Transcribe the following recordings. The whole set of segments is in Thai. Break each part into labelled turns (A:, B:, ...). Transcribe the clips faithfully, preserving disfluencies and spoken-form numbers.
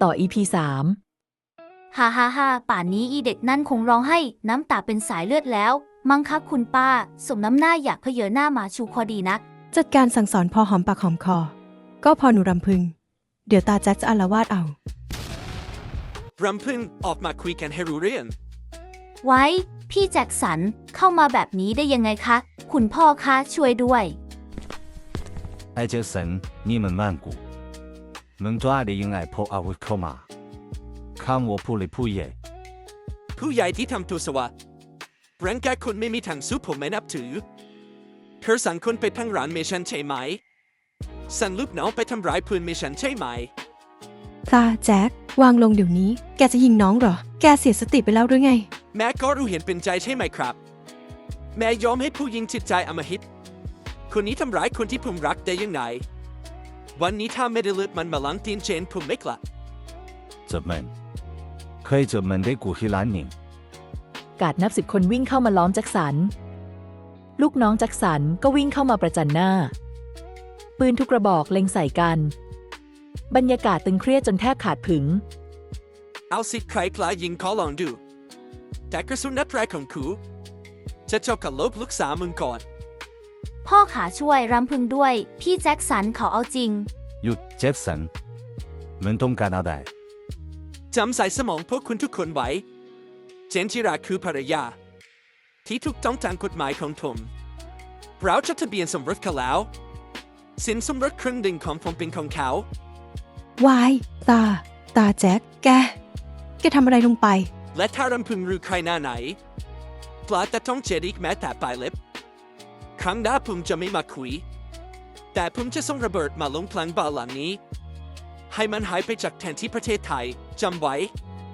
A: ต่อ อี พี สาม
B: ฮ่าฮ่าฮ่าป่านนี้อีเด็กนั่นคงร้องให้น้ำตาเป็นสายเลือดแล้วมั้งคะคุณป้าสมน้ำหน้าอยากเพเยอหน้ามาชูคอดีนัก
C: จัดการสั่งสอนพอหอมปากหอมคอก็พอหนูรำพึงเดี๋ยวตาแจ็คจะอาละวาดเอา
D: รำพึงออกมาคุยกันให้รู้เรื่อง
B: ไว้พี่แจ็คสันเข้ามาแบบนี้ได้ยังไงคะคุณพ่อคะช่วยด้วย
E: ไอ้แจ็คสันนี่มัน曼谷能抓的ยังไงพออาวุธเข้ามาข้ามวัวผู้เลยผู้ใหญ่
D: ผู้ใหญ่ที่ทำตัวสวะร่างกายคนไม่มีทางสู้ผมไม่นับถือเธอสั่งคนไปทั้งร้านเมชันใช่ไหมสั่งลูกน้องไปทำร้ายเพื่อนเมชันใช่ไหม
C: ตาแจ็ควางลงเดี๋ยวนี้แกจะยิงน้องเหรอแกเสียสติไปแล้วหรือไง
D: แม่ก็รู้เห็นเป็นใจใช่ไหมครับแม่ยอมให้ผู้หญิงจิตใจอำมหิตคนนี้ทำร้ายคนที่ผมรักได้ยังไงวันนี้ถ้าไม่ได้เลือดมันมาล้างตีนเจนผมไม่กลับ
E: 这门可以这门的古希兰宁
A: กาดนับสิบคนวิ่งเข้ามาล้อมแจ็คสันลูกน้องแจ็คสันก็วิ่งเข้ามาประจันหน้าปืนทุกกระบอกเล็งใส่กันบรรยากาศตึงเครียดจนแทบขาดผึง
D: เอาสิใครกล้ายิงขอลองดูแต่กระสุนนัดแรกของคูจะเจาะกับลบลูกสาวมึงก่อน
B: พ่อขาช่วยรำพึงด้วยพี่แจ็คสันเขาเอาจริง
E: หยุดแจ็คสันมันต้องการอะไร
D: จำใส่สมองพวกคุณทุกคนไว้เจนจิราคือภรรยาที่ถูกต้องตามกฎหมายของผมเราจดทะเบียนสมรสกันแล้วสินสมรสครึ่งหนึ่งของผมเป็นของเขา
C: วายตาตาแจ็คแกแกทำอะไรลงไป
D: และถ้ารำพึงรู้ใครหน้าไหนปลาแต่ต้องเจดอีกแม้แต่ปลายเล็บครั้งหน้าผมจะไม่มาคุยแต่ผมจะส่งระเบิดมาลงพลังบ้านหลังนี้ให้มันหายไปจากแทนที่ประเทศไทยจำไว้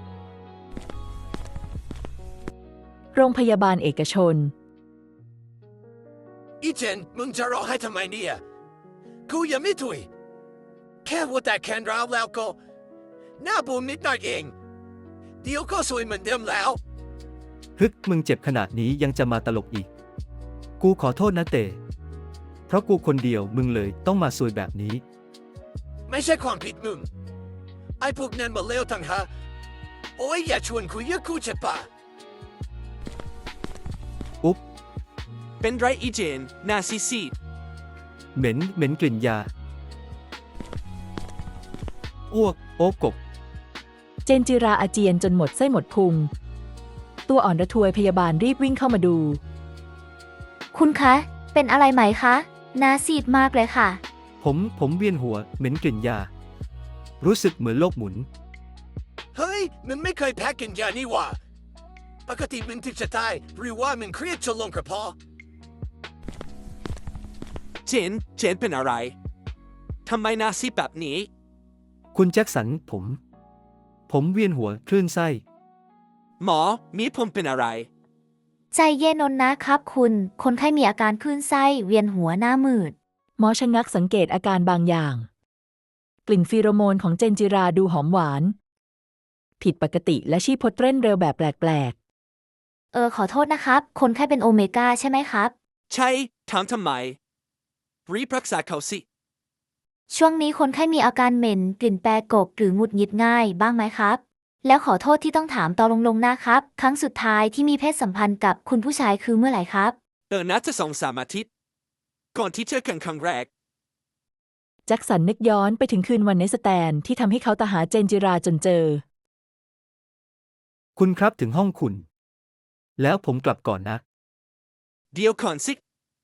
A: โรงพยาบาลเอกชน
F: อีเจนมึงจะร้องไห้ทำไมเนี่ยกูยังไม่ถุยแค่ว่าแต่แคนร้าวแล้วก็หน้าบูมนิดหน่อยเองเดี๋ยวก็สวยเหมือนเดิมแล้ว
G: ฮึกมึงเจ็บขนาดนี้ยังจะมาตลกอีกกูขอโทษนะเตเพราะกูคนเดียวมึงเลยต้องมาซวยแบบนี้
F: ไม่ใช่ความผิดมึงไอ้พวกนั้นมาเลวทั้งหาโอ้ยอย่าชวนคุยเยอะกูจะป่ะ
G: อุ๊บ
D: เป็นไรอีเจนหน้าซีซี
G: เหม็นเหม็นกลิ่นยาอ้วกโอ๊กกบ
A: เจนจิราอาเจียนจนหมดไส้หมดพุงตัวอ่อนระทวยพยาบาลรีบวิ่งเข้ามาดู
B: คุณคะเป็นอะไรไหมคะหน้าซีดมากเลยค่ะ
G: ผมผมเวียนหัวเหม็นกลิ่นยารู้สึกเหมือนโลกหมุน
F: เฮ้ยมึงไม่เคยแพ้กินยานี่หว่าปกติมึงถึงจะตายหรือว่ามึงเครียดจนลงกระเพาะ
D: เจนเจนเป็นอะไรทำไมหน้าซีดแบบนี้
G: คุณแจ็คสันผมผมเวียนหัวคลื่นไส้
D: หมอมีผมเป็นอะไร
B: ใจเย็นนนะครับคุณคนไข้มีอาการคลื่นไส้เวียนหัวหน้ามืด
A: หมอชะงักสังเกตอาการบางอย่างกลิ่นฟีโรโมนของเจนจิราดูหอมหวานผิดปกติและชีพจรเต้นเร็วแบบแปลก
B: ๆเออขอโทษนะครับคนไข้เป็นโอเมก้าใช่ไหมครับ
D: ใช่ถามทำไมรีบรักษาเขาสิ
B: ช่วงนี้คนไข้มีอาการเหม็นกลิ่นแปรกกหรือหงุดหงิดง่ายบ้างไหมครับแล้วขอโทษที่ต้องถามตอนลงๆนะครับครั้งสุดท้ายที่มีเพศสัมพันธ์กับคุณผู้ชายคือเมื่อไหร่ครับ
D: เออน่าจะสองสามอาทิตย์ก่อนที่เจอกันครั้งแรก
A: แจ็คสันนึกย้อนไปถึงคืนวันในสแตนที่ทำให้เขาตามหาเจนจิราจนเจอ
G: คุณครับถึงห้องคุณแล้วผมกลับก่อนนะ
D: เดี๋ยวก่อนสิ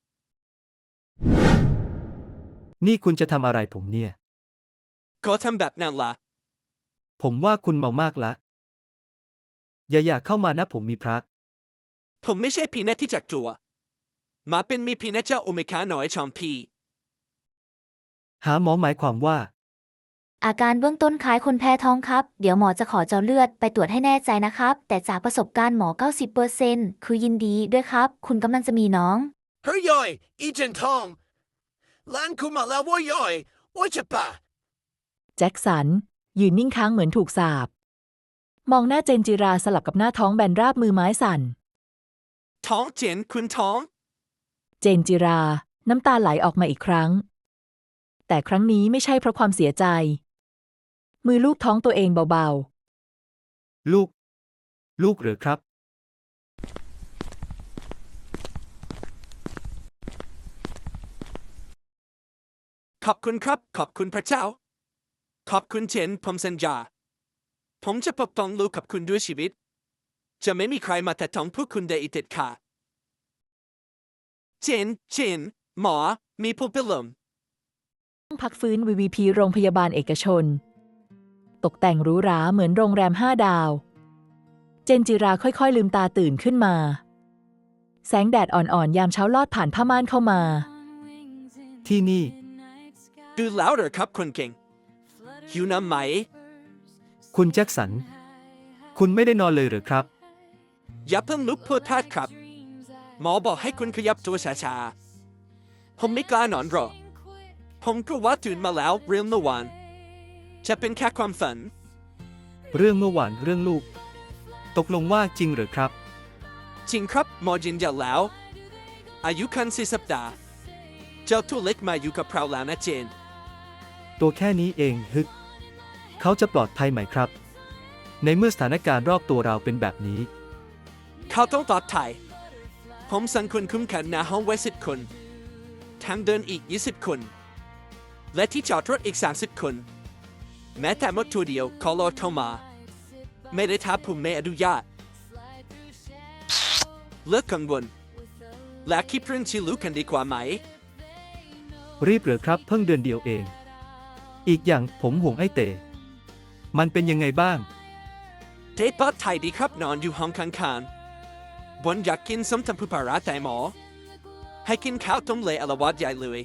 G: นี่คุณจะทำอะไรผมเนี่ย
D: ก็ทำแบบนั้นละ
G: ผมว่าคุณเมามากละอย่าอยากเข้ามานะผมมีพระ
D: ผมไม่ใช่พีเนตที่จักตัวมาเป็นมีพีเนตเจ้าโอเมก้าหน่อยชอมพี
G: หาหมอหมายความว่า
B: อาการเบื้องต้นคล้ายคนแพ้ท้องครับเดี๋ยวหมอจะขอเจาะเลือดไปตรวจให้แน่ใจนะครับแต่จากประสบการณ์หมอ เก้าสิบเปอร์เซ็นต์ คือยินดีด้วยครับคุณกำลังจะมีน้อง
F: เฮ้ยย่อยอีเจนทองล้านคุณมาแล้วว่าย่อยโอ้ยจะป่ะ
A: แจ็คสันยืนนิ่งค้างเหมือนถูกสาปมองหน้าเจนจิราสลับกับหน้าท้องแบนราบมือไม้สั่น
D: ท้องเจนคุณท้อง
A: เจนจิราน้ำตาไหลออกมาอีกครั้งแต่ครั้งนี้ไม่ใช่เพราะความเสียใจมือลูบท้องตัวเองเบา
G: ลูก ลูกเหรือครับ
D: ขอบคุณครับ ขอบคุณพระเจ้า ขอบคุณเจนผมสัญญา ผมจะปกป้องลูกกับคุณด้วยชีวิต จะไม่มีใครมาแตะต้องพวกคุณได้อีกเด็ดขาดเจน เจน หมอ มีผู้เป็นลม
A: ๆห้องพักฟื้น วี วี พี โรงพยาบาลเอกชน ตกแต่งหรูหราเหมือนโรงแรมห้าดาว เจนจิราค่อยๆลืมตาตื่นขึ้นมา แสงแดดอ่อนๆยามเช้าลอดผ่านผ้าม่านเข้ามา
G: ที่นี่
D: ดูแล้วเหรอครับคนเก่ง หิวน้ำไหม
G: คุณแจ็คสัน คุณไม่ได้นอนเลยเหรือครับ
D: อย่าเพิ่งลุกพูดพลาดครับ หมอบอกให้คุณขยับตัวช้าๆ ผมไม่กล้านอนหรอก ผมก็ว่าตื่นมาแล้วเรื่องเมื่อวาน จะเป็นแค่ความฝัน
G: เรื่องเมื่อวานเรื่องลูก ตกลงว่าจริงเหรือครับ
D: จริงครับหมอยืนยันแล้ว อายุคันสี่สัปดาห์ เจ้าตัวเล็กมาอยู่กับเราแล้วนะเจน
G: ตัวแค่นี้เองฮึก เขาจะปลอดภัยไหมครับ ในเมื่อสถานการณ์รอบตัวเราเป็นแบบนี้
D: เขาต้องตอบไทย ผมสั่งคนคุ้มกันหน้าห้องไว้สิบคน ทางเดินอีกยี่สิบคน และที่จอดรถอีกสามสิบคน แม้แต่มดตัวเดียวขอรอโทรมา ไม่ได้ท้าผมไม่อนุญาต เลิกกังวล และคิดเรื่องที่รู้กันดีกว่าไหม
G: รีบเหรือครับเพิ่งเดือนเดียวเอง อีกอย่างผมห่วงไอ้เต๋มันเป็นยังไงบ้าง
D: เทปปัดไทยดีครับนอนอยู่ห้องข้างๆบนอยากกินส้มตำปูปลาร้าแต่หมอ ให้กินข้าวต้มเละอละวาดใหญ่เลย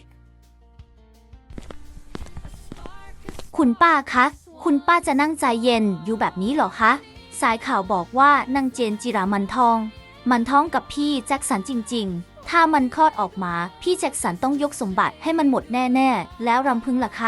B: คุณป้าคะ คุณป้าจะนั่งใจเย็นอยู่แบบนี้เหรอคะ สายข่าวบอกว่านางเจนจิรามันทอง มันท้องกับพี่แจ็คสันจริงๆ ถ้ามันคลอดออกมา พี่แจ็คสันต้องยกสมบัติให้มันหมดแน่ๆ แล้วรำพึงล่ะคะ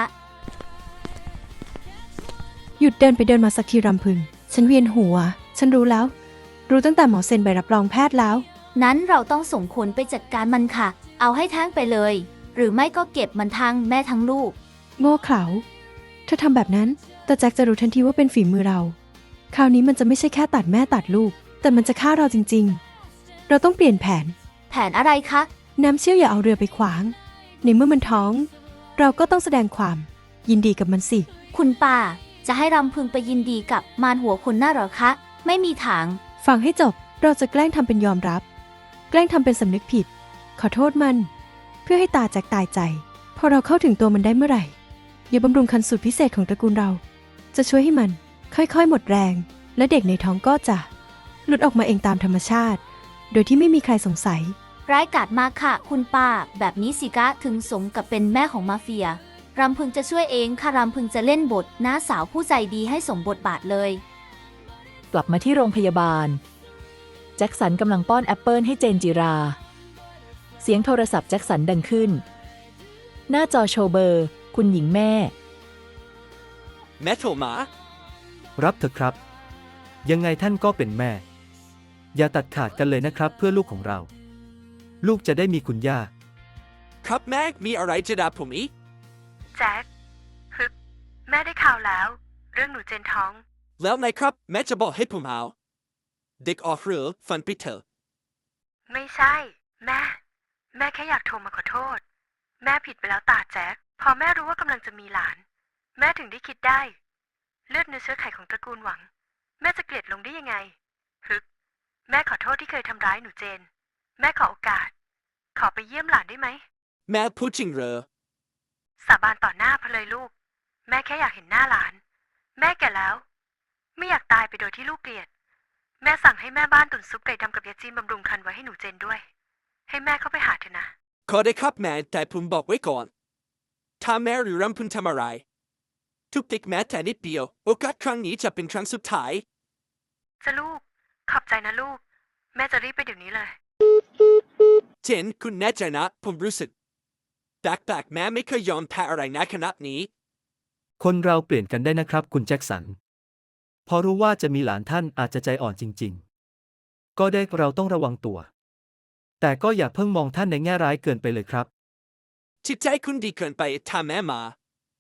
C: หยุดเดินไปเดินมาสักทีรำพึง ฉันเวียนหัว ฉันรู้แล้ว รู้ตั้งแต่หมอเซ็นใบรับรองแพทย์แล้ว
B: นั้นเราต้องส่งคนไปจัดการมันค่ะ เอาให้แท้งไปเลย หรือไม่ก็เก็บมันทั้งแม่ทั้งลูก
C: โง่เขลาเธอทำแบบนั้น แต่แจ็คจะรู้ทันทีว่าเป็นฝีมือเรา คราวนี้มันจะไม่ใช่แค่ตัดแม่ตัดลูก แต่มันจะฆ่าเราจริงๆ เราต้องเปลี่ยนแผน
B: แผนอะไรคะ
C: น้ำเชี่ยวอย่าเอาเรือไปขวาง ในเมื่อมันท้อง เราก็ต้องแสดงความ ยินดีกับมันสิ
B: คุณป้าจะให้รำพึงไปยินดีกับมารหัวคนหน้าเหรอคะ ไม่มีทาง
C: ฟังให้จบ เราจะแกล้งทำเป็นยอมรับ แกล้งทำเป็นสำนึกผิด ขอโทษมัน เพื่อให้ตาแจ็คตายใจ พอเราเข้าถึงตัวมันได้เมื่อไหร่ยาบำรุงคันสูตรพิเศษของตระกูลเรา จะช่วยให้มัน ค่อยๆ หมดแรง และเด็กในท้องก็จะ หลุดออกมาเองตามธรรมชาติ โดยที่ไม่มีใครสงสัย
B: ร้ายกาจมากค่ะ คุณป้า แบบนี้สิกะถึงสมกับเป็นแม่ของมาเฟีย รำพึงจะช่วยเองค่ะรำพึงจะเล่นบทน้าสาวผู้ใจดีให้สมบทบาทเลย
A: กลับมาที่โรงพยาบาล แจ็คสันกำลังป้อนแอปเปิลให้เจนจิรา เสียงโทรศัพท์แจ็คสันดังขึ้น หน้าจอโชว์เบอร์ คุณหญิงแม่
D: แม่โทรมา
G: รับเถอะครับ ยังไงท่านก็เป็นแม่ อย่าตัดขาดกันเลยนะครับเพื่อลูกของเรา ลูกจะได้มีคุณย่า
D: ครับแม่มีอะไรจะด่าผมอีก
H: แจ็คฮึกแม่ได้ข่าวแล้ว เรื่องหนูเจนท้อง
D: แล้วไงครับแม่จะบอกให้ผมเอาเด็กออกเรือฟันไปเถอะ
H: ไม่ใช่ แม่ แม่แค่อยากโทรมาขอโทษ แม่ผิดไปแล้วตาแจ็คพอแม่รู้ว่ากำลังจะมีหลาน แม่ถึงได้คิดได้ เลือดเนื้อเชื้อไขของตระกูลหวัง แม่จะเกลียดลงได้ยังไงฮึกแม่ขอโทษที่เคยทำร้ายหนูเจน แม่ขอโอกาส ขอไปเยี่ยมหลานได้ไหม
D: แม่พูดจริงเหรอ
H: สาบานต่อหน้าพะเลยลูก แม่แค่อยากเห็นหน้าหลาน แม่แก่แล้ว ไม่อยากตายไปโดยที่ลูกเกลียด แม่สั่งให้แม่บ้านตุ๋นซุปไก่ดำกับยาจีนบำรุงคันไว้ให้หนูเจนด้วย ให้แม่เข้าไปหาเถอะนะ
D: ขอได้ครับแม่แต่ผมบอกไว้ก่อน ถ้าแม่หรือรำพึงทำอะไร ทุกเด็กแม้แต่นิดเดียว โอกาสครั้งนี้จะเป็นครั้งสุดท้าย
H: จะลูก ขอบใจนะลูก แม่จะรีบไปเดี๋ยวนี้เลย
D: เจนคุณแน่ใจนะผมรู้สึกแปลกๆแม่ไม่เคยยอมแพ้อะไรนะขนาดนี้
G: คนเราเปลี่ยนกันได้นะครับคุณแจ็คสัน พอรู้ว่าจะมีหลานท่านอาจจะใจอ่อนจริงๆ ก็ได้เราต้องระวังตัว แต่ก็อย่าเพิ่งมองท่านในแง่ร้ายเกินไปเลยครับ
D: จิตใจคุณดีเกินไปถ้าแม่มา ผ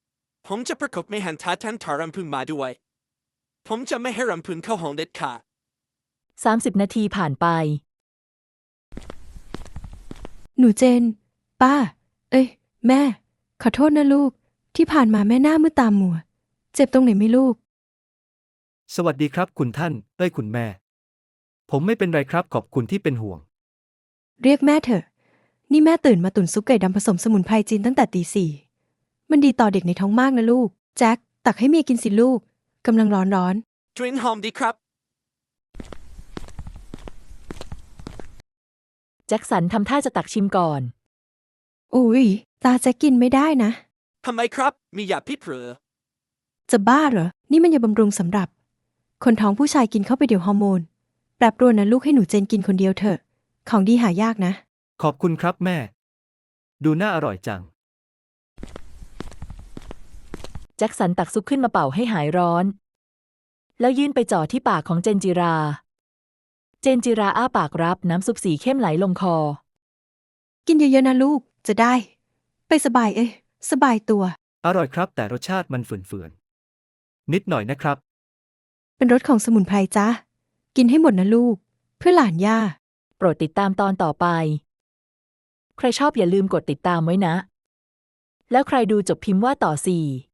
D: ผมจะประกบไม่หันท้าท่านทารำพึงมาด้วย ผมจะไม่ให้รำพึงเข้าห้องเด็ดขาด
A: สามสิบนาทีผ่านไป
C: หนูเจน ป้า เอ้ย แม่ ขอโทษนะลูก ที่ผ่านมาแม่หน้ามืดตามัว เจ็บตรงไหนไหม่ลูก
G: สวัสดีครับคุณท่านเอ้ยคุณแม่ ผมไม่เป็นไรครับขอบคุณที่เป็นห่วง
C: เรียกแม่เถอะ นี่แม่ตื่นมาตุ๋นซุปไก่ดำผสมสมุนไพรจีนตั้งแต่ตีสี่ มันดีต่อเด็กในท้องมากนะลูก แจ็ค ตักให้เมียกินสิลูก กำลังร้อนร้อน
D: กลิ่นหอมดีครับ
A: แจ็คสันทำท่าจะตักชิมก่อน
C: ๆอุ้ย ตาแจ็คกินไม่ได้นะ
D: ทำไมครับ มียาพิษหรือ
C: จะบ้าเหรอ นี่มันยาบำรุงสำหรับ คนท้องผู้ชายกินเข้าไปเดี๋ยวฮอร์โมน แปรปรวนนะลูกให้หนูเจนกินคนเดียวเถอะ ของดีหายากนะ
G: ขอบคุณครับแม่ ดูน่าอร่อยจัง
A: แจ็คสันตักซุปขึ้นมาเป่าให้หายร้อน แล้วยื่นไปจ่อที่ปากของเจนจิรา เจนจิราอ้าปากรับน้ำซุปสีเข้มไหลลงคอ
C: กินเยอะๆนะลูก จะได้ ไปสบายเอ้ยสบายตัว
G: อร่อยครับแต่รสชาติมันเฝื่อนๆนิดหน่อยนะครับ
C: เป็นรสของสมุนไพรจ้ากินให้หมดนะลูก เพื่อหลานย่า
A: โปรดติดตามตอนต่อไป ใครชอบอย่าลืมกดติดตามไว้นะ แล้วใครดูจบพิมพ์ว่าต่อสี่